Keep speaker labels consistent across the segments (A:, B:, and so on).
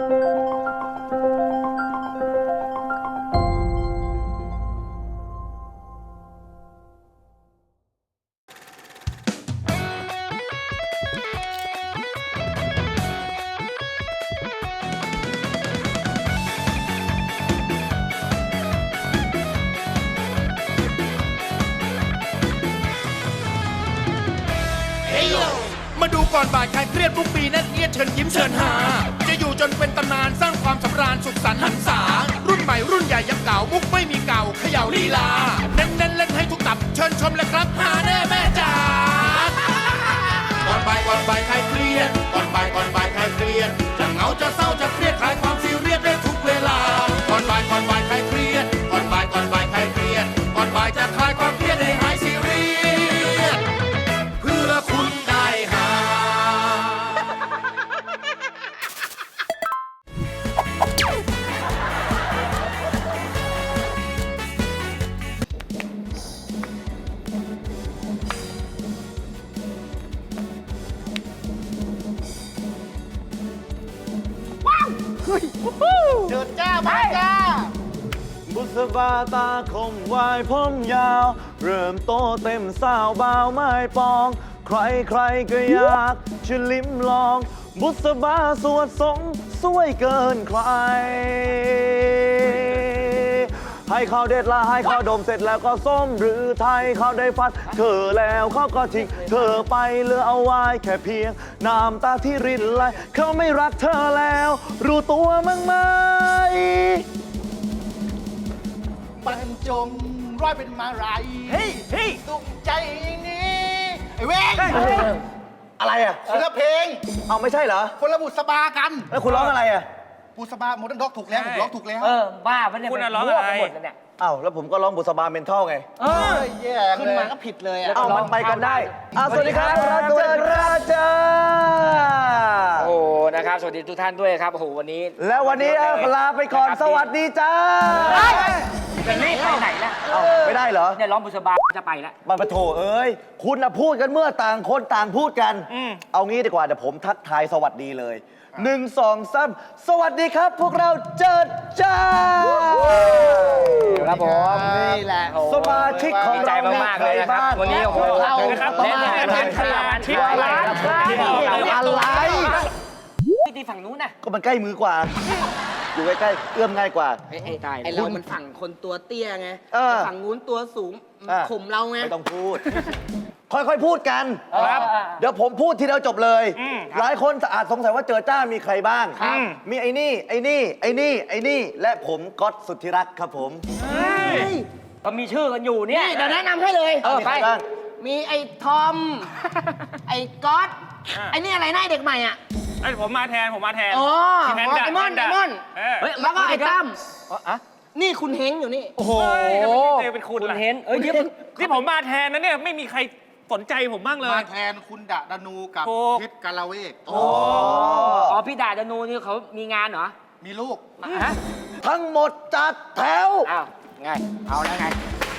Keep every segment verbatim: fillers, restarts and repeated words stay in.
A: มาดูก่อนบ่ายใครเครียดทุกปีนั่นเอียดเชิญยิ้มเชิญหาจะอยู่จนเป็นตำนานสร้างความสำราญสุขสันต์หันษารุ่นใหม่รุ่นใหญ่ยังเก่ามุกไม่มีเก่าเขย่าลีลาเน้นเน้นเล่นให้ทุกตับเชิญชมเลยครับหาแน่แม่จ๋าก่อนบ่ายก่อนบ่ายใครเครียดก่อนบ่ายก่อนบ่ายใครเครียดจะเหงาจะเศร้าจะเครียดคลายความซีเรียสได้ทุกเวลาก่อนบ่ายก่อนบ่ายใครเครียดก่อนบ่ายก่อนบ่ายใครเครียดก่อนบ่ายจะคลายความเครียดให้หายซีเรียสเพื่อคุณได้หา
B: เจิดจ้ามาจ้าบุษบาตาคมวายผมยาว เริ่มโตเต็มสาวบ่าวไม้ปอง ใครใครก็อยากจะลิ้มลอง บุษบาสวดทรงสวยเกินใคร ให้เขาเด็ดละให้เขาดมเสร็จแล้วก็ส้มหรือไทยเขาได้ฟัดเธอแล้วเขาก็ทิ้งเธอไปเหลือเอาไว้แค่เพียงน้ำตาที่รินไหลเขาไม่รักเธอแล้วรู้ตัวมั้งไหมบรรจงร้อยเป็นมาไรเฮ้ยเฮ้ยตุกใจนี้ไอ้เว้งอะไรอ่ะคนละเพลงเอาไม่ใช่เหรอคนละบุษบากันแล้วคุณร้องอะไรอ่ะบุษบาโมเดิร์นด็อกถูกแล้วผมร้องถูกแล้วเออบ้าปะเนี่ยคุณร้องอะไรหมดเลยเนี่ยอ้าวแล้วผมก็ร้องบุษบาเมนทัลไงเออแย่ขึ้นมาก็ผิดเลยอ่ะเอามันไปกันได้อ้าวสวัสดีครับราชราชา
C: โอ้นะครับสวัสดีทุกท่านด้วยครับโอ้โหวันนี้
B: แล้ววันนี้ลาไปก่อนสวัสดีจ้า
C: จะรีบไปไหนล่ะ
B: ไม่ได้เหรอ
C: เนี่ยร้องบุษบาจะไปแล้ว
B: มันมาโถเอ้ยคุณน่ะพูดกันเมื่อต่างคนต่างพูดกันเอางี้ดีกว่าเดี๋ยวผมทักทายสวัสดีเลยหนึ่งสองสามสวัสดีครับพวกเราเจิดจ้า
C: ครับผม
B: นี่แหละสมาชิกของ
C: ใจมากๆเลยนะครับวันนี้โอ้โห
B: นะครับแน่นอนเป็นขนาดที่ร้านอะไร
C: ที่ฝั่งนู้นน่ะ
B: ก็มันใกล้มือกว่าอยู่ใกล้ๆเอื้อมง่ายกว่า
D: ไอ้เรามันฝั่งคนตัวเตี้ยไงฝั่งนู้นตัวสูงข่มเราไง
B: ไม่ต้องพูดค่อยๆพูดกันเดี๋ยวผมพูดทีเดียวจบเลยหลายคนอาจสงสัยว่าเจอจ้ามีใครบ้างมีไอ้นี่ไอ้นี่ไอ้นี่ไอ้นี่และผมก๊อตสุทธิรักษ์ครับผม
C: ก็มีชื่อกันอยู่เนี่ย
D: เดี๋ยวแนะนำให้เลย
B: เออไป
D: มีไอ้ทอมไอ้ก๊อตไอ้นี่อะไรหน้าเด็กใหม่อ่ะ
E: ไอ้ผมมาแทนผมมาแทน
D: อ๋อไอ้มอนไอ้มอนแล้วก็ไอ้ตั้มนี่คุณเฮงอยู่นี่
E: โอ้โหเป็นคุณ
C: คุณเฮงเอ้ย
E: นี่ผมมาแทนนะเนี่ยไม่มีใครสนใจผมบ้างเลย
B: มาแทนคุณดะดานูกับพิษกาลาเวก
C: โอ้อ๋อพี่ดะดานูนี่เขามีงานเหรอ
B: มีลูกทั้งหมดจัดแถว
C: อ้าวไงเอาแล้วไง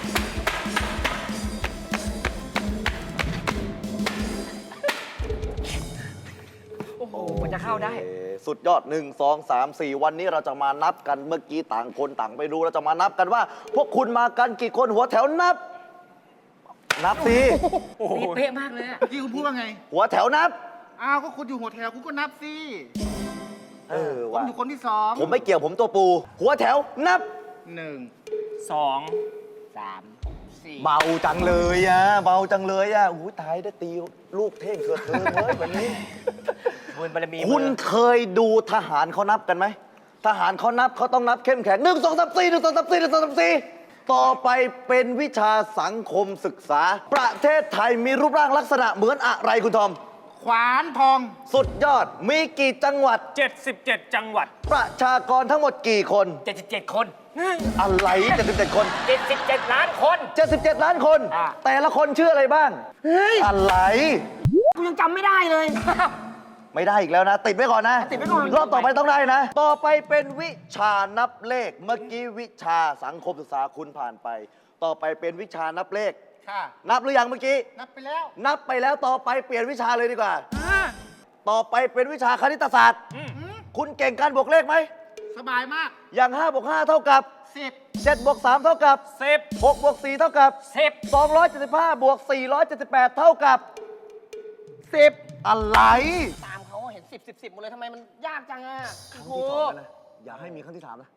C: โอ้โหมันจะเข้าได้
B: สุดยอดหนึ่งสองสามสี่วันนี้เราจะมานับกันเมื่อกี้ต่างคนต่างไปดูเราจะมานับกันว่าพวกคุณมากันกี่คนหัวแถวนับนับสิ
C: นี่เป๊ะมากเลยอะ
B: ที่คุณพูดว่าไงหัวแถวนับ
F: อ้าวก็คุณอยู่หัวแถวคุณก็นับสิ
B: เออ
F: ผมอยู่คนที่สอง
B: ผมไม่เกี่ยวผมตัวปูหัวแถวนับ
F: หนึ่ง
E: สอง
C: สามสี่
B: เบาจังเลยอ่ะเบาจังเลยอ่ะอู้ตายได้ตีลูกเท่งเกิดเธอเลยวันนี้คุณเคยดูทหารเขานับกันไหมทหารเขานับเขาต้องนับเข้มแข็งหนึ่งสองสามสี่หนึ่งสองสามสี่หนึ่งสองสามสี่ต่อไปเป็นวิชาสังคมศึกษาประเทศไทยมีรูปร่างลักษณะเหมือนอะไรคุณทอม
F: ขวานทอง
B: สุดยอดมีกี่จังหวัด
E: เจ็ดสิบเจ็ดจังหวัด
B: ประชากรทั้งหมดกี่คน
C: เจ็ดสิบเจ็ดคน
B: อะไรเจ็ดสิบเจ็ดคน
C: เจ็ดสิบเจ็ดล้านคน
B: เจ็ดสิบเจ็ดล้านคนแต่ละคนชื่ออะไรบ้างอะไร
D: กูยังจำไม่ได้เลย
B: ไม่ได้อีกแล้วนะติดไว้ก่อนนะ
D: ติดไว้ก่อน
B: รอบต่อไปต้องได้นะต่อไปเป็นวิชานับเลขเมื่อกี้วิชาสังคมศึกษาคุณผ่านไปต่อไปเป็นวิชานับเลข
F: ค่ะ
B: นับหรือยังเมื่อกี้
F: นับไปแล้ว
B: นับไปแล้วต่อไปเปลี่ยนวิชาเลยดีกว่าต่อไปเป็นวิชาคณิตศาสตร์คุณเก่งการบวกเลขไหม
F: สบายมาก
B: อย่างห้าบวกห้าเท่ากับ
F: สิบ
B: เจ็ดบวกสามเท่ากับ
E: สิบ
B: หกบวกสี่เท่ากับ
E: สิบ
B: สองร้อยเจ็ดสิบห้าบวกสี่ร้อยเจ็ดสิบแปดเท่ากับสิบอะไร
D: ตามเขาเห็นสิบสิบสิบหมดเลยทำไมมันยากจังอ่ะ
B: ครั้ง
D: โอ้
B: ที่
D: โห
B: สองแล้วนะอย่าให้มีครั้งที่สามนะ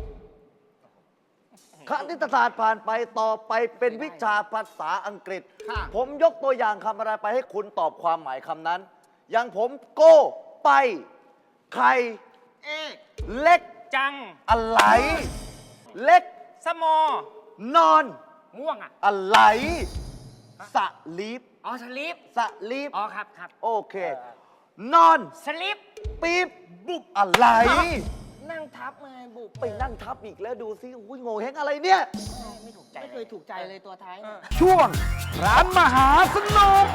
B: คณิตศาสตร์ผ่านไปต่อไปเป็นวิชาภาษาอังกฤษ
F: ค่ะ
B: ผมยกตัวอย่างคำอะไรไปให้คุณตอบความหมายคำนั้น อย่างผมโก้ไปไข่
F: เอก
B: เล็ก
E: จัง
B: อะไร เล็ก
E: สมอน
B: อน
E: ม่วงอ่ะ
B: อะไรสลีป
E: อ๋อสลิป
B: สลีป
E: อ๋อครับครับ
B: โอเค นอน
E: สลิป
B: ปี๊บบุบอะไร
D: นั่งทับมาบุก
B: ไปนั่งทับอีกแล้วดูซิอุ้ยโง่เฮงอะไรเนี่ย
D: ไม่ถูกใจไม่เคยถูกใจเลยตัวท้ายเนี่ย
B: ช่วงร้านมหาสนุก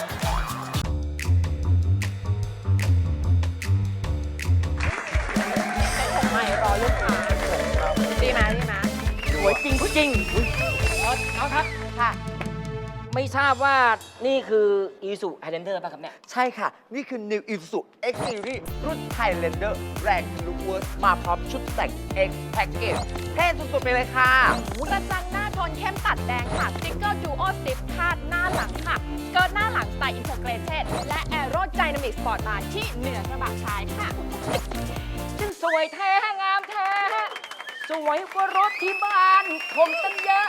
G: ใหม่รอลูกค้าดีไหมดีไหม
C: สวยจริงผู้จริงเอาเอาครับ
G: ค่ะ
C: ไม่ทราบว่านี่คืออีสุไฮเลนเดอร์ป่ะครับเนี่ย
B: ใช่ค่ะ นี่คือ New Isuzu X Series รุ่น Highlander แรงทะลุเวิร์สมาพร้อมชุดแต่ง X Package เท่สุดๆไปเลยค่ะ
G: กระจังหน้าโทนเข้มตัดแดงค่ะ สติ๊กเกอร์ดูโอสติปคาดหน้าหลังค่ะสเกิร์ตหน้าหลังสไตล์อินเทอร์เกรเทดและแอโรไดนามิกสปอร์ตบาร์ที่เหนือกระบะชายค่ะ
C: จึงสวยแท้งามแท้ สวยกว่ารถที่บ้านผมตั้งเยอะ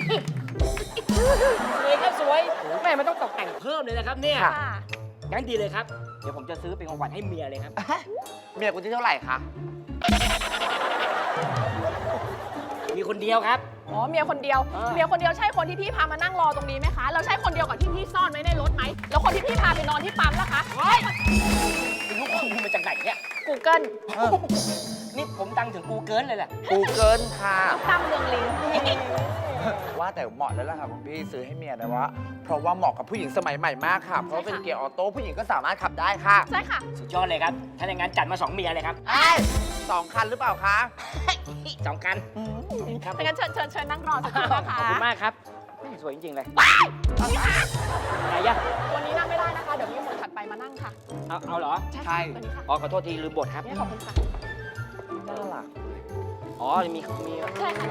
C: สวยครับสวยแม่มันต้องตกแต่งเพิ่มเลยนะครับเนี่ย
G: ค่ะ
C: งั้นดีเลยครับ เดี๋ยวผมจะซื้อเป็นของขวัญให้เมียเลยครับ
B: เมียคุณที่เท่าไหร่คะ
C: มีคนเดียวครับ
G: อ๋อ เมียคนเดียว
C: เออ
G: เมียคนเดียวใช่คนที่พี่พามานั่งรอตรงนี้ไหมคะ แล้วใช่คนเดียวกับที่พี่ซ่อนไว้ในรถไหม แล้วคนที่พี่พาไปนอนที่ปั๊มล่ะคะเฮ้ย
C: เป็นลูกข้อมูลมาจากไหนเนี่ย
G: Google
C: นี่ผมดังถึงกูเกิลเลยแหละ
B: กูเกิลค่ะ
G: ตั้มเมืองลิง
H: ว่าแต่เหมาะแล้วล่ะค่ะคุณพี่ซื้อให้เมียนะว่า เพราะว่าเหมาะกับผู้หญิงสมัยใหม่มากค่ะ เพราะว่าเป็นเกียร์ออโต้ผู้หญิงก็สามารถขับได้ค่ะ
G: ใช่ค่ะ
C: สุดยอดเลยครับ ถ้าอย่างนั้นจัดมาสองเมียเลยครับ
H: เอ้ยสองคันหรือเปล่าคะ
C: สองกันครับ
G: ถ้างั้นเชิญเชิญเชิญนั่งรอสักครู่นะคะ
C: ขอบคุณมากครับแม่สวยจริง ๆ เลยไหนยะ
G: วันนี้นั่งไม่ได้นะคะ เดี๋ยวมีคนถัดไปมานั่งค่ะ
C: เอาเอาเหรอ
G: ใช่
H: ใช่
G: ค่ะตัวนี้ค่ะ
C: อ๋อ ขอโทษทีลืมบทครับ
G: เนี่ยขอบคุณค่ะ
C: น่ารักอ๋อ มีมี
G: ใช่ค่ะ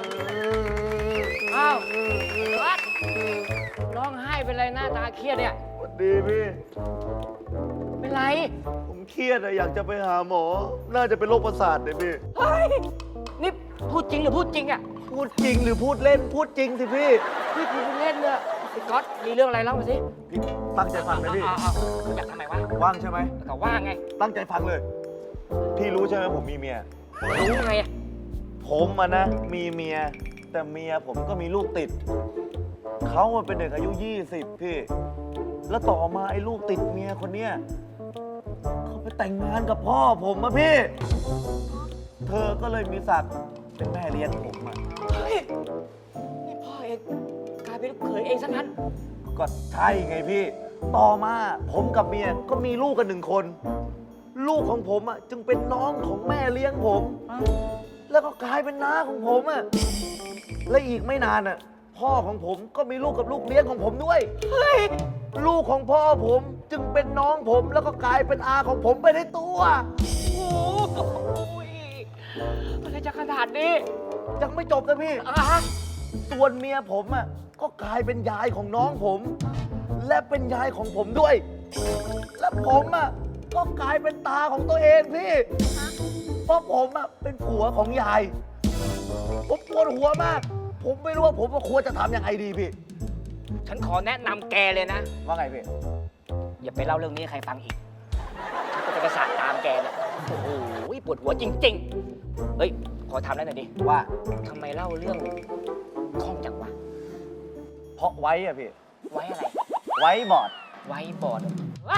C: อ้าววัดร้องไห้เป็นไรหน้าตาเครียดเนี่ย
B: สวัสดีพี่
C: เป็นไร
B: ผมเครียดอะอยากจะไปหาหมอ น่าจะเป็นโรคประสาทเลยพี่
C: เฮ้ย นี่พูดจริงหรือพูดจริงอ่ะ
B: พูดจริงหรือพูดเล่น พูดจริงสิพี่
C: พี่พูดเล่นเนี่ยไอ้ก๊อตมีเรื่องอะไรเล่ามาสิ
B: พี่ตั้งใจฟังนะพี่
C: เอาเอาเอาอยากทำไมวะ
B: ว่างใช่ไหม
C: ก็ว่าไง
B: ตั้งใจฟังเลย พี่รู้ใช่ไหมผมมีเมีย
C: รู้ไงอะ
B: ผมอะนะมีเมีย แต่เมียผมก็มีลูกติด เขาอะเป็นเด็กอายุยี่สิบพี่ แล้วต่อมาไอ้ลูกติดเมียคนเนี้ยเขาไปแต่งงานกับพ่อผมอะพี่ เธอก็เลยมีศักดิ์เป็นแม่เลี้ยงผมอะ
C: เฮ้ย นี่พ่อเองกลายเป็นลูกเขยเองซะงั้น
B: ก็ใช่ไงพี่ ต่อมาผมกับเมียก็มีลูกกันหนึ่งคน ลูกของผมอะจึงเป็นน้องของแม่เลี้ยงผม แล้วก็กลายเป็นน้าของผมอะและอีกไม่นานอะพ่อของผมก็มีลูกกับลูกเลี้ยงของผมด้วย เฮ้ย ลูกของพ่อผมจึงเป็นน้องผมแล้วก็กลายเป็นอาของผมไปในตัว
C: โอ้โหอะไรจะขนาดนี้
B: ยังไม่จบนะพี่
C: อ่ะฮะ
B: ส่วนเมียผมอะก็กลายเป็นยายของน้องผม และเป็นยายของผมด้วย และผมอะก็กลายเป็นตาของตัวเองพี่ เพราะผมอะเป็นผัวของยาย ผมปวดหัวมาก ผมไม่รู้ว่าผมควรจะทำยังไงดีพี่
C: ฉันขอแนะนำแกเลยนะ
B: ว่าไงพี่
C: อย่าไปเล่าเรื่องนี้ให้ใครฟังอีกฉันก็จะกระสานตามแกเนี่ย โอ้โหปวดหัวจริง ๆ เฮ้ย ขอถามแล้วหน่อยดิ
B: ว่า
C: ทำไมเล่าเรื่องคล่องจังวะ
B: เพราะไว้อะพี่
C: ไว้อะไร
B: ไว้บอร์ด
C: ไว้บอร์ดว้า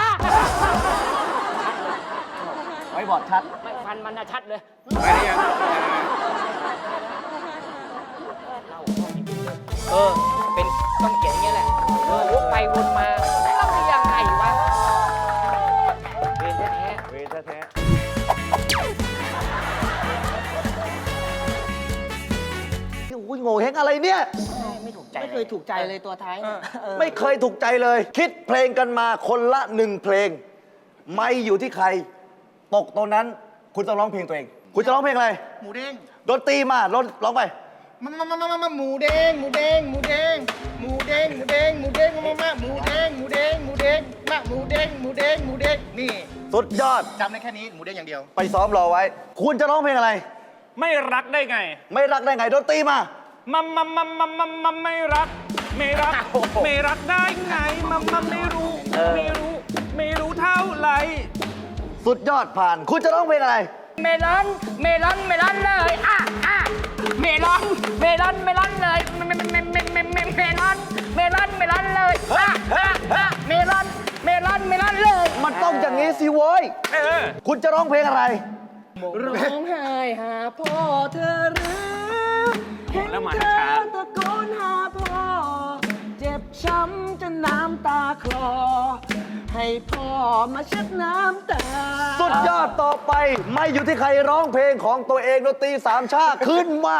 B: ไว้บอร์ดชัด
C: ไม่ฟันมันนะชัดเลย
H: ไปได้ยัง
C: เล่าคล่องจริงๆเลยเออ เป็นต้องเขียนอย่างเงี้ยแหละเออวกไปวนมาเล่าได้ยังไงวะเรียนแท้
B: เวทแท้ๆอุ้ยโง่เฮงอะไรเนี่ย
C: ๆไม่ถูกใจ
D: ไม่เคยถูกใจเลยตัวท้ายเนี่ยเออ
B: ไม่เคยถูกใจเลย คิดเพลงกันมาคนละหนึ่งเพลง ไม่อยู่ที่ใคร ตกตรงนั้น
I: คุณต้องร้องเพลงตัวเอง คุณจะร้องเพลงอะไร
F: หมูเด้ง
I: ดนตรีมาร้องร้องไป
F: มามามามามาหมูเด้งหมูเด้งหมูเด้งหมูเด้งหมูเด้งหมูเด้งมามาหมูเด้งหมูเด้งหมูเด้งมาหมูเด้งหมูเด้งหมูเด้งนี่
I: สุดยอด
F: จำได้แค่นี้หมูเด้งอย่างเดียว
I: ไปซ้อมรอไว้ คุณจะร้องเพลงอะไร
E: ไม่รักได้ไง
I: ไม่รักได้ไงดนตรีมา
E: มัมมัมมัมมัมมัมมัมไม่รัก ไม่รัก ไม่รักได้ไง มัมมัมไม่รู้ ไม่รู้ ไม่รู้เท่าไหร่
I: สุดยอดผ่าน คุณจะร้องเพลงอะไร
C: เมลอน เมลอน เมลอนเลยอ่ะอ่ะเมลอน เมลอน เมลอนเลยเมเมเมเมเมเมเมลอน เมลอน เมลอนเลยอ่ะอ่ะอ่ะเมลอน เมลอน เมลอนเลย
I: มันต้องอย่างนี้สิโว้ย
E: เออ
I: คุณจะร้องเพลงอะไร
C: ร้องไห้หาพ่อเธอหรือเห็น
E: แล้วมา
C: เธ
E: ช้า
C: อตะโกนหาพ่อ เจ็บช้ำจนน้ำตาคลอ ให้พ่อมาเช็ดน้ำตา
I: สุดยอดต่อไป ไม่อยู่ที่ใครร้องเพลงของตัวเองดนตรีสามชาติขึ้นมา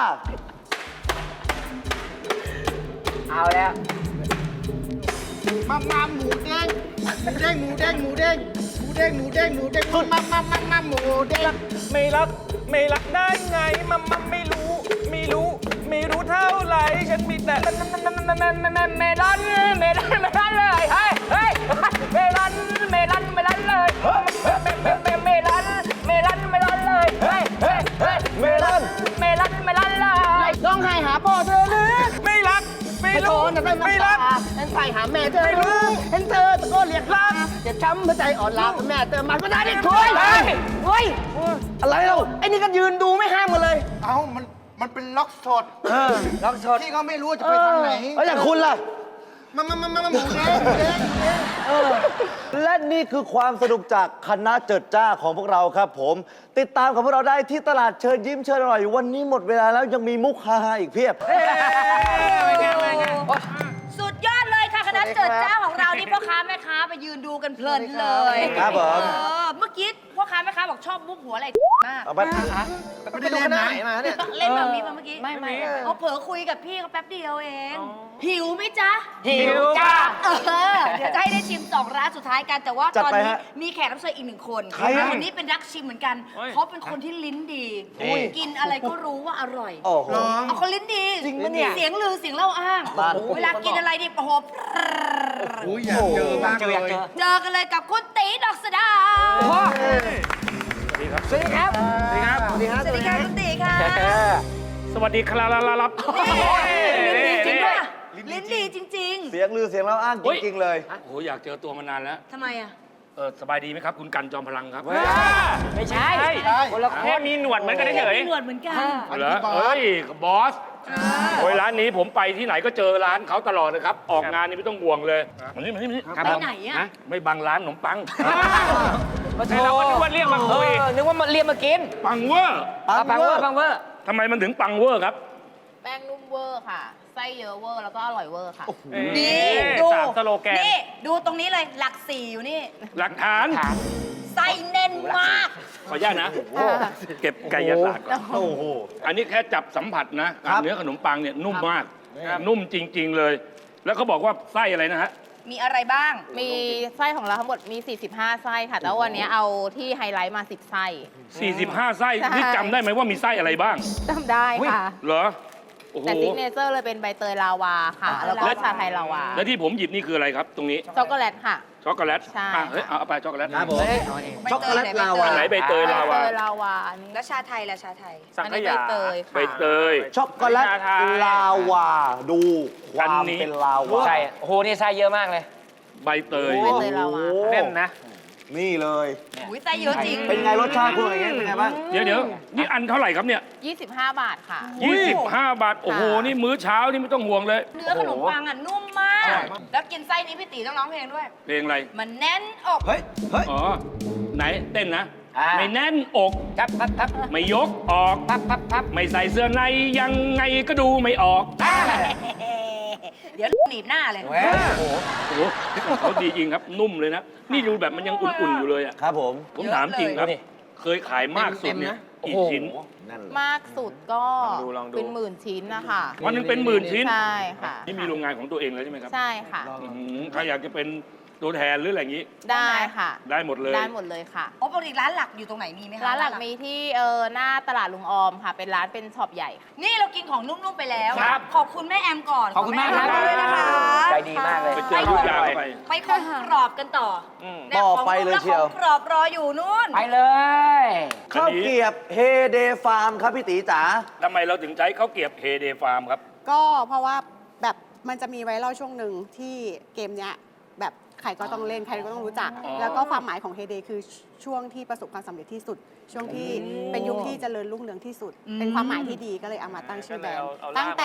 C: เอาแล้ว
F: มามาหมูเด้งหมูเด้งหมูเด้งหมูเด้งหมูเด้งหมูเด้งหมูเด้งมามามามาหมูเด้ง
E: ไม่รัก ไม่รักได้ไง มัมมัมไม่รู้ ไม่รู้ ไม่รู้เท่าไหร่ ฉันมีแต่
C: เมลอน เมลอน เมลอนเลยเฮ้ยเฮ้ยเมลอน เมลอน เมลอนเลยเมลอน เมลอน เมลอนเลยเฮ้ยเฮ้ยเฮ้ย
I: เมลอน
C: เมลอน เมลอนเลยร้องไห้หาพ่อเธอหรือ
E: ไม่รัก ไม่
C: ไม่
E: รู้
C: รู้นะ
E: ไม่
C: ไม่
E: รั
C: รั
E: ก
C: กเห็นใส่หาแม่เธอ
E: ไม่รู้
C: เห็นเธอตะโกนเรียกรักเจ็บช้ำหัวใจอ่อนล้าแม่เธอมาก็ได้ดิคุยเฮ้ย
I: อะไรเรา
C: ไอ้นี่ก็ยืนดูไม่ห้ามกันเลย
F: เอ้ามันมันเป็นล็อกสด
I: เออ
C: ร้องสด
F: ที่เขาไม่รู้ว่าจะไปทางไหน
I: แล้วอย่างคุณล่ะ
F: มามามามาหมูเด้งหมูเด้งหมูเด้ง
I: และนี่คือความสนุกจากคณะเจิดจ้าของพวกเราครับผม ติดตามกับพวกเราได้ที่ตลาดเชิญยิ้มเชิญอร่อย วันนี้หมดเวลาแล้วยังมีมุกฮาๆอีกเพียบ
J: สุดยอดเลยค่ะคณะเจิดจ้าของเรานี่พ่อค้าแม่ค้าไปยืนดูกันเพลินเลย
I: ครับผม
J: เออเมื่อกี้พ่อค้าแม่ค้าบอกชอบมุกหัวอะไรมาก
I: เอาไป
F: ไม่ได้เล่นนะ
J: เล่นแบบนี้มาเมื่อกี้
C: ไม่ไม่
J: เขาเผลอคุยกับพี่เขาแป๊บเดียวเอง หิวไหมจ๊ะ
C: หิวจ้า
J: เออเดี๋ยวจะให้ได้ชิมสองร้านสุดท้ายกันแต่ว่า
I: จัด
J: ตอน
I: ไป
J: นี้
I: ฮะ
J: มีแขกรับเชิญอีกหนึ่งคน
I: ใครอะ
J: คนนี้เป็นนักชิมเหมือนกัน
E: โอ้ย
J: เขาเป็นคนที่ลิ้นดี กินอะไรก็รู้ว่าอร่อย
I: โอ้โห
J: เอาคนลิ้นดี
C: จริงปะเนี่ย
J: เสียงลือเสียงเล่าอ้าง
I: บ้าน
J: เวลากินอะไรดิโอ้โห
F: อุ้ยอยากเจอมากเลย
J: เจอกันเลยกับคุณตีดอกสะดา
C: พ่อสวัสดีครับ
E: สวัสดีครับ
C: สวัสดีครับ
J: สวัสดีค่ะคุณตีค่ะ
E: สวัสดีครับรับ
J: ลิ้นดีจริงป่ะลิ้นดีจริง
I: เสียงลือเสียงเล่าอ้างจริงๆเลย
K: โอ้โหอยากเจอตัวมานานแล้ว
J: ๆทำไมอ่ะ
K: เออสบายดีไหมครับ คุณกันจอมพลังครับ
C: ไม่ใช่ คนละค
E: แค่
C: น
E: มีหนวดเหมือนกันเฉย
J: มีหนวดเหมือนกัน
K: เหรอเอ้ยบอสโอ้ยร้านนี้ผมไปที่ไหนก็เจอร้านเขาตลอดเลยครับ ออกงานนี่ไม่ต้องห่วงเลยมานี่มานี่มานี่
J: ไปไหนอ่ะ
K: ไม่บังร้านขนมปัง
C: มาโช
E: เรา
C: ว์
E: ก็นึกว่าเรียกมาคุย
C: เออนึกว่ามาเรียกมากิน
K: ปังเวอร์
C: เอาปังเวอร์ปังเวอร์
K: ทำไมมันถึงปังเวอร์ครับ
G: แป้งนุ่มเวอร์ค่ะ ไส้เยอะเวอร์ แล้วก็อร่อยเวอร์ค่ะ
J: นี่
E: เอ๊ะ
J: ดู
E: สามสโลแกน
J: นี่ดูตรงนี้เลยหลักสี่อยู่นี่
K: หลักฐาน
J: ไส้แน่นมาก
K: ขออนุญาตนะ เก็บไก่ยศาสตร์ก่อน
I: โอ้โห
K: อันนี้แค่จับสัมผัสนะ
I: ครับ
K: เนื้อขนมปังเนี่ยนุ่มมาก นุ่มจริง ๆเลย แล้วเขาบอกว่าไส้อะไรนะฮะ
J: มีอะไรบ้าง
G: มีไส้ของเราทั้งหมดมี สี่สิบห้า ไส้ค่ะ แต่ว่าวันนี้เอาที่ไฮไลท์มา สิบ ไส้
K: สี่สิบห้า ไส้
G: ใช่
K: นี่จำได้ไหมว่ามีไส้อะไรบ้าง
G: จำได้ค่ะ
K: เหรอ โอ้โห
G: แต่ซิกเนเจอร์เลยเป็นใบเตยลาวาค่ะ แล้วก็ชาไทยลาวา
K: แล้วที่ผมหยิบนี่คืออะไรครับ ตรงนี้
G: ช็อกโกแลตค่ะ
K: ช็อกโกแลต
G: ใช่
K: อ่ะเฮ้ย เอาเอาไปช็อกโกแลต
I: ครับผม
J: ช็อกโกแลตลาวา
K: อันไหนใบเตยลาวา
G: ใบเตยลาวาอันนี้
J: แล้วชาไทยละชาไทย
E: สัง
G: อัน
E: ข
G: นี้ใบ
E: ยา
G: เตยค่ะ
K: ใบเตย
I: ช็อกโกแลตลาวา ดูความ
K: อันนี้
I: เป็นลาวา
C: ใช่โอ้โห นี่ไส้เยอะมากเลย
K: ใบเตย
G: ใบเตยลาวา
E: แน่นนะ
I: นี่เลย
J: อุ้ยไส้เยอะจริง
I: เป็นไงรสชาติคุณอะไรเงี้ยเป็นไงบ้าง
K: เดี๋ยวเดี๋ยวนี่อันเท่าไหร่ครับเนี่ย
G: ยี่สิบห้า บาทค่ะ
K: ยี่สิบห้า บาท โอ้โห นี่มื้อเช้านี่ไม่ต้องห่วงเลย
J: เนื้อขนมปังอ่ะนุ่มมาก แล้วกินไส้นี้พี่ตีต้องร้องเพลงด้วย
K: เพลงอะไร
J: มันแน่นอก
I: เฮ้ย เฮ้ย
K: อ๋อ ไหนเต้นนะ
C: อ่า
K: ไม่แน่นอก
C: ครับครับครับ
K: ไม่ยกออก
C: ครับครับครับ
K: ไม่ใส่เสื้อในยังไงก็ดูไม่ออก
J: เดี๋ยวหนีบหน้าเลย
C: แหมโอ้โห
K: โอ้โหเขาดีจริงครับ นุ่มเลยนะ นี่ดูแบบมันยังอุ่นๆอยู่เลยอ่ะ
I: ครับผม
K: ผมถามจริงครับ
C: เยอะเลย
K: เคยขายมากสุดเนี่ยกี่ชิ้น
I: นั่นแหละ
G: มากสุดก็
E: ลองดูลองดู
G: เป็นหมื่นชิ้นนะคะ
K: วันหนึงเป็นหมื่นชิ้น
G: ใช่ค่ะ
K: นี่มีโรงงานของตัวเองแล้วใช่ไหมครับ
G: ใช่ค่ะ
K: อื้อหือใครอยากจะเป็นตัวแทนหรืออะไรอย่างนี้
J: ได้ค่ะ
K: ได้หมดเลย
J: ได้หมดเลยค่ะ
D: โอ้ปกติร้านหลักอยู่ตรงไหนมีไหมคะ
J: ร้านหลักมีที่เออหน้าตลาดลุงออมค่ะ เป็นร้านเป็นช็อปใหญ่ค่ะ
D: นี่เรากินของนุ่มๆไปแล้ว
K: ครับ
D: ขอบคุณแม่แอมก่อน
C: ขอบคุณมากครับ
D: แอด้วยนะคะ
C: ใจดีมากเลย
K: ไปเจอลูกยางไป
D: ไปของกรอบกันต่ออ
C: ม
D: นี่
I: ต่อไปเลยเชียว
D: ของกรอบรออยู่นู่น
C: ไปเลย
I: ข้าวเกรียบเฮเดฟาร์มครับพี่ตีจ๋า
K: ทำไมเราถึงใช้ข้าวเกรียบเฮเดฟาร์มครับ
L: ก็เพราะว่าแบบมันจะมีไวรัลช่วงหนึ่งที่เกมเนี้ยแบบใครก็ต้องเล่นใครก็ต้องรู้จัก
K: อ๋อ
L: แล้วก็ความหมายของเฮเดคือช่วงที่ประสบความสำเร็จที่สุด ช่วงที่เป็นยุคที่เจริญรุ่งเรืองที่สุด
D: อืม
L: เป็นความหมายที่ดีก็เลยเอามาตั้งชื่อแบรนด์
E: เอาเอา
L: ตั้งแต่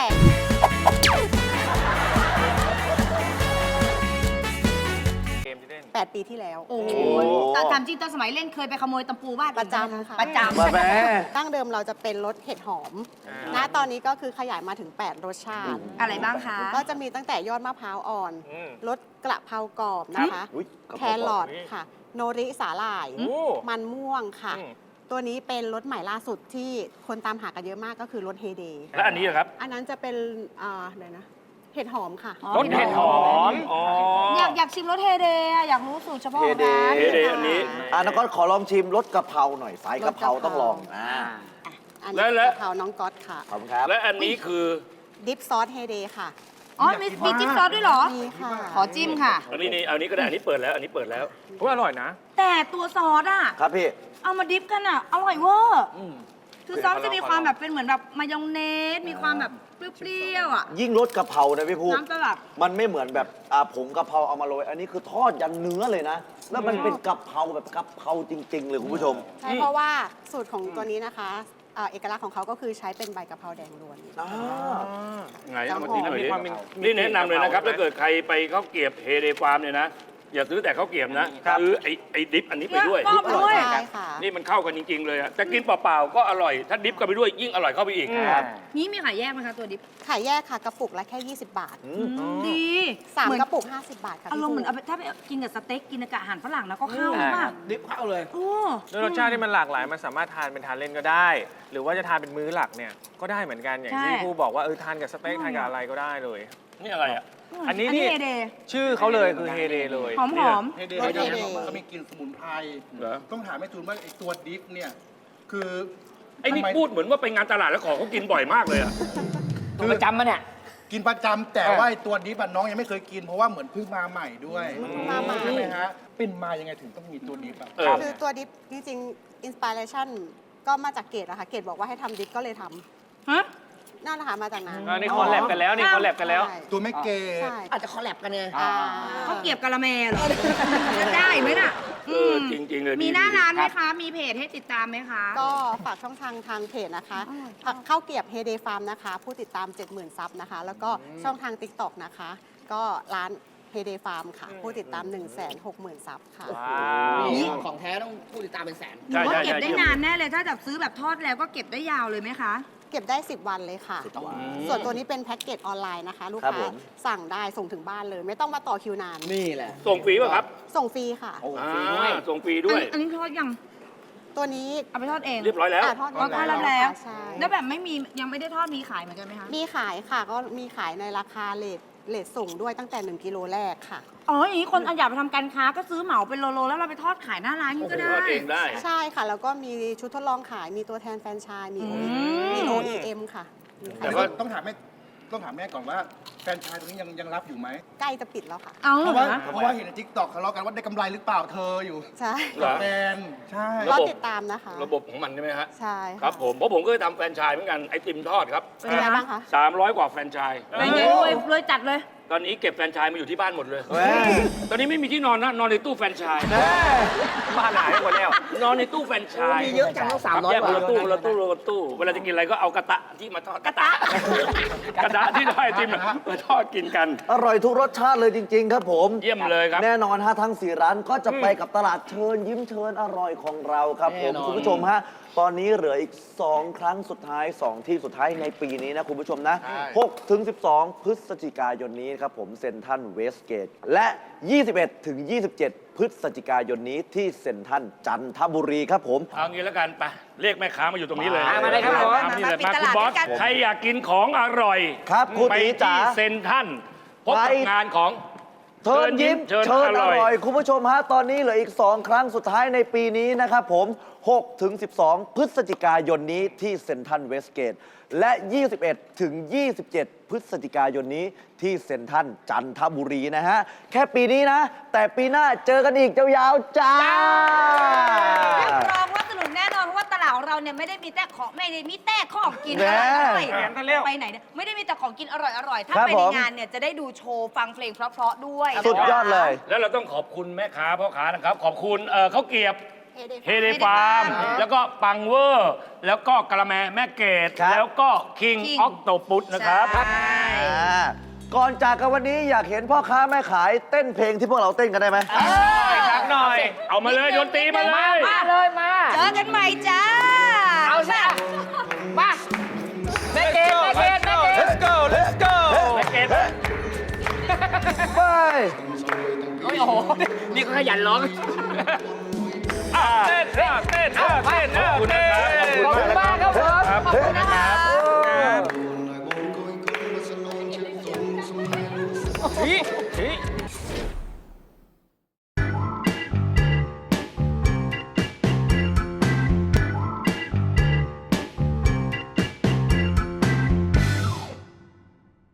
E: เกมที่เล่น
L: แปด ปีที่แล้ว
D: โอ้โหแต่ตามจริงตอนสมัยเล่นเคยไปขโมยตะปูบ้าน
L: ประจำค่ะ
D: ประจำ
I: มาแม่
L: ตั้งเดิมเราจะเป็นรสเห็ดหอม
E: อ่า
L: ณตอนนี้ก็คือขยายมาถึง แปด รสชาติ
D: อะไรบ้างคะ
L: ก็จะมีตั้งแต่ยอดมะพร้าวอ่อน
E: อืม
L: รสกระเพรากรอบนะคะ
I: อุ๊ยกระ
L: แค
I: เพรากรอบ
L: รอทค่ะ โนริสาหร่าย
E: โอ้
L: มันม่วงค่ะ
E: อืม
L: ตัวนี้เป็นรสใหม่ล่าสุดที่คนตามหากันเยอะมากก็คือรสเฮเด
K: และอันนี้อะครับ
L: อันนั้นจะเป็นอ่าเดี๋ยวนะ เห็ดหอมค่ะ
E: รสเห็ดหอม อ๋อ
D: อยากอยากชิมรสเฮเดอะอยากรู้สูตรเฉพาะของ
I: เฮเด
D: ร้าน
K: เฮเดอันนี้
I: อ่ะนักก็ขอลองชิมรสกะเพราหน่อยสายกะเพราต้องลองอ่า
L: อัน
K: และ
L: นี้
K: และ
L: กะเพราน้องก๊อตค่ะ
I: ขอบคุณครับ
K: และอันนี้คือ
L: ดิปซอสเฮเดค่ะ
D: อ๋อมีมีจิ้มซอสด้วยเหรอ
L: มีค่ะ
D: ขอจิ้มค่ะ
K: อันนี้นี่อันนี้ก็ได้อันนี้เปิดแล้ว อันนี้เปิดแล้ว
E: ก็อร่อยนะ
D: แต่ตัวซอสอะ
I: ครับพี่
D: เอามาดิฟกันอะอร่อยเวอร์คือซอสจะมีความแบบเป็นเหมือนแบบมายองเนส มีความแบบเปรี้ยวๆอะ
I: ยิ่งรสกะเพรานะพี่ภูมิ
D: น้ำสลัด
I: มันไม่เหมือนแบบอ่าผงกะเพราเอามาโรย อันนี้คือทอดยันเนื้อเลยนะ แล้วมันเป็นกะเพราแบบกะเพราจริง ๆ เลยคุณผู้ชม
L: ใช่เพราะว่าสูตรของตัวนี้นะคะอ่าเอกลักษณ์ของเขาก็คือใช้เป็นใบกะเพราแดงล้วน
I: อ่า
K: ไงเอามาทิ้งหน่อย
E: มี
K: ดิ
E: ความมี
K: นี่แนะนำเลยนะครับ
E: มีกะเพรา
K: ถ้าเกิดใครไปข้าวเกรียบเฮเดฟาร์มเนี่ยนะ อย่าซื้อแต่ข้าวเกรียบนะ
E: ครับ
K: ซื้อไอ้ไอ้ดิฟอันนี้ไปด้วย
D: เนี่ยก็ ด้วย
L: ใช่ค่ะ
K: นี่มันเข้ากันจริง ๆ เลยอะแต่กินเปล่าๆก็อร่อย ถ้าดิฟกันไปด้วยยิ่งอร่อยเข้าไปอีก
E: ครับ
D: นี่มีขายแยกไหมคะตัวดิฟ
L: ขายแยกค่ะกระปุกละแค่ ยี่สิบบาท
D: ดี
L: สาม
D: เหมือน
L: กระปุก ห้าสิบบาทค่ะ
D: อารมณ์เหมือน
L: พี่
D: เอาไปถ้าไปกินกับสเต็กกินกับอาหารฝรั่งนะก็เข้าใช่ป่ะ
C: ดิฟเข้าเลย
D: โอ้
E: ด้วยรสชาติที่มันหลากหลาย มันสามารถทานเป็นทานเล่นก็ได้ หรือว่าจะทานเป็นมื้อหลักเนี่ย ก็ได้เหมือนกัน อย่างที่ครูบอกว่าเออทานกับสเต็กทานกับอะไรก็ได้เลย
K: นี่อะไรอะ
E: อันนี้
D: อันนี้
E: นี่
D: เฮเด
E: ชื่อเขาเลยคือเฮเดเลย
D: หอมหอม
B: เฮเด
L: รสเฮเด
B: เขามีกลิ่นสมุนไพร
K: เหรอ
B: ต้องถามแม่จูนว่าไอ้ตัวดิฟเนี่ย คือ
K: ไอ้นี่
B: ทำม
K: พูดเหมือนว่าไปงานตลาดแล้วของเขากินบ่อยมากเลยอะ
C: ตัวประจำมันเนี่ย
B: กินประจำแต่ว่าไอ้ตัวดิฟอะน้องยังไม่เคยกิน เพราะว่าเหมือนเพิ่งมาใหม่ด้วย
L: มาใหม่
B: ใช่ไหมฮะ เป็นมายังไงถึงต้องมีตัวดิฟอะ
K: เออ
L: คือตัวดิฟจริงๆอินสปิเรชันก็มาจากเกดอะค่ะ เกดบอกว่าให้ทำดิฟก็เลยท
D: ฮะ
L: ำนั่นแหละค่ะมาจากนั้น
E: อันนี้คอลแลบกันแล้วนี่คอลแลบกันแล้ว
L: ใช่
B: ตัวแม่เกด
L: ใช่
J: อาจจะคอลแลบกันไง
L: อ่า
D: เขาเก็บกะละแมเหรอจะได้ไหมน่ะ
K: เออจริงๆเลย
D: มี
K: ดี
D: หน้า
K: ดี
D: ร้านไหมคะ มีเพจให้ติดตามไหมคะ
L: ก็ฝากช่องทางทางเพจนะคะเข้าเกียบเฮเดฟาร์มนะคะ ผู้ติดตาม เจ็ดหมื่น ซับนะคะ แล้วก็ช่องทาง TikTok นะคะ ก็ร้านเฮเดฟาร์มค่ะ ผู้ติดตาม หนึ่งแสนหกหมื่น ซับค่ะ
E: ว้าว
J: นี่ของแท้ต้องผู้ติดตามเป็นแสน
D: หนูว่าเก็บได้นานแน่เลย ถ้าแบบซื้อแบบทอดแล้วก็เก็บได้ยาวเลยไหมคะ
L: เก็บได้ สิบ วันเลยค่ะ ส่วนตัวนี้เป็นแพ็กเกจออนไลน์นะคะ ลูก
I: ครับ
L: ค้า
I: ผม
L: สั่งได้ส่งถึงบ้านเลย ไม่ต้องมาต่อคิวนาน
J: นี่แหละ
K: ส่งฟรีป่ะครับ
L: ส่งฟรีค่ะ
K: อ่าส่งฟรีด้วย
D: อันนี้ทอดยัง
L: ตัวนี้
D: เอาไปทอดเอง
K: เรียบร้อยแล้ว
L: อ่ะทอด
D: อ๋อทอดแล้วแล้ว
L: ใช่
D: แล้วแบบไม่มียังไม่ได้ทอดมีขายเหมือนกันไหมคะ
L: มีขายค่ะ ก็มีขายในราคาเลทเลทส่งด้วยตั้งแต่ หนึ่ง กิโลแรกค่ะ
D: อ๋ออย่างนี้คนอยากไปทำการค้าก็ซื้อเหมาเป็นโลๆแล้วเราไปทอดขายหน้าร้านนี่ก็ได้
K: ทอดเองได้
L: ใช่ค่ะ แล้วก็มีชุดทดลองขาย มีตัวแทนแฟรนไชส์มี
D: อื
L: โอ
D: ม
L: มี โอ อี เอ็ม ค่ะมี
K: แต่
L: ค่ะ
K: ว่า
B: ต้องถามแม่ต้องถามแม่ก่อนว่าแฟรนไชายตรงนี้ยังยังรับอยู่ไหม
L: ใกล้จะปิดแล้วค่ะ
D: เอา
B: เพ
D: เหร
B: ราะ
D: อ
B: ว่าเพราะว่าเห็นในทิกตอกทะเลาะกันว่าได้กำไรหรือเปล่าเธออยู่
L: ใช่
K: เหรอ
B: แฟนใช่
K: ระ
L: ก็
K: บบ
L: ติดตามนะคะ
K: ระบบของมันใช่ไหมฮะ
L: ใช่ะ
K: ครับผมเพราะผมก็เคยทำแฟรนไชส์เหมือนกันไอติมทอดครับ
L: เป็นไงบ้างคะ
K: สามร้อยกว่าแฟรนไชส์
D: เป็นไงรวยรวยจัดเลย
K: ตอนนี้เก็บแฟรนไชส์มาอยู่ที่บ้านหมดเลย
I: เว้ย
K: ตอนนี้ไม่มีที่นอนนะ นอนในตู้แฟรนไชส์
E: บ้านหายหมดแล้ว
K: นอนในตู้แฟรนไชส์
J: มีเยอะจังต้องสามร้อย
K: แยก
J: ก
K: คน
J: ว่า
K: ละตู้คนละตู้คนละตู้ เวลาจะกินอะไรก็เอากระตะที่มาทอด กระตะ กระตะที่ได้ไอติมน่ะมาทอดกินกัน
I: อร่อยทุกรสชาติเลยจริง ๆ ครับผม
K: เยี่ยมเลยครับ
I: แน่นอนฮะทั้งสี่ร้านก็จะไปกับตลาดเชิญยิ้มเชิญอร่อยของเราครับผม
J: แน่นอน
I: คุณผู้ชมฮะตอนนี้เหลืออีก สอง ครั้งสุดท้าย สอง ที่สุดท้ายในปีนี้นะคุณผู้ชมนะ หกถึงสิบสอง พฤศจิกายนนี้ครับผมเซ็นทรัลเวสเกตและ ยี่สิบเอ็ดถึงยี่สิบเจ็ด พฤศจิกายนนี้ที่เซ็นทรัลจันทบุรีครับผม
K: เอางี้แล้วกันไปเรียกแม่ค้ามาอยู่ตรงนี้เลย
C: มาเลยครับผม
K: มานี่เลย
D: มา
K: มา
D: ปิดต
K: คุณ
D: ลาด
K: บอส
D: ด้วยกัน
K: ใครอยากกินของอร่อย
I: ครับคุณ
K: ไป
I: ตีจ๋า
K: ที่เซ็นทรัลพบกับ
I: ไป
K: งานของ
I: เชิญยิ้ม
K: เชิญ
I: เชิญ
K: อ
I: อ
K: ร่อย
I: ร่อย คุณผู้ชมฮะ ตอนนี้เหลืออีก สอง ครั้งสุดท้ายในปีนี้นะครับผม หกถึงสิบสอง พฤศจิกายนนี้ที่เซ็นทรัลเวสเกต และ ยี่สิบเอ็ดถึงยี่สิบเจ็ด พฤศจิกายนนี้ที่เซ็นทรัลจันทบุรีนะฮะ แค่ปีนี้นะ แต่ปีหน้าเจอกันอีกยาวๆจ้า
J: รับรองว่าสนุกแน่นอนเพราะว่าตลาดของเราเนี่ยไม่ได้มีแต่ของไม่ได้มีแต่ของกิน
I: แน่
J: อร่อย
E: แหมกันเร็ว
J: ไปไหนเนี่ยไม่ได้มีแต่ของกินอร่อยอร่อยๆถ้า
I: ครับ
J: ไปใน
I: ผม
J: งานเนี่ยจะได้ดูโชว์ฟังเพลงเพราะๆด้วย
I: สุดยอดเลย
K: แล้วเราต้องขอบคุณแม่ค้าพ่อค้านะครับ ขอบคุณเอ่อข้าวเกรียบ
J: Heyday
K: เฮเดฟาร์ม แล้วก็ปังเวอร์ แล้วก็กะละแมแม่เกด
I: ครับ
K: แล้วก็คิง
J: King
K: ออกโตปุสนะครับ
J: ใช่
I: อ่าก่อนจากกันวันนี้อยากเห็นพ่อค้าแม่ขายเต้นเพลงที่พวกเราเต้นกันได้ไหม
E: สักหน่อย
K: เอามาเลยดนตรีมาเลย
C: มาเลยมา
J: เจอกันใหม่จ้า
C: เอาสิอ่ะมาแม่เกดแม่เกดแม่เกด
E: let's go let's go
K: แม่เกด
I: ไป
C: โอ้โห นี่เขาขยันร้อง
K: อ่า
E: เต้นเต้นเต้นเต้นเต้น
K: ขอบคุณนะครับ
C: ขอบคุณมากครับผม
K: ครับ
J: ขอบคุณนะคะ
E: ชี้ชี้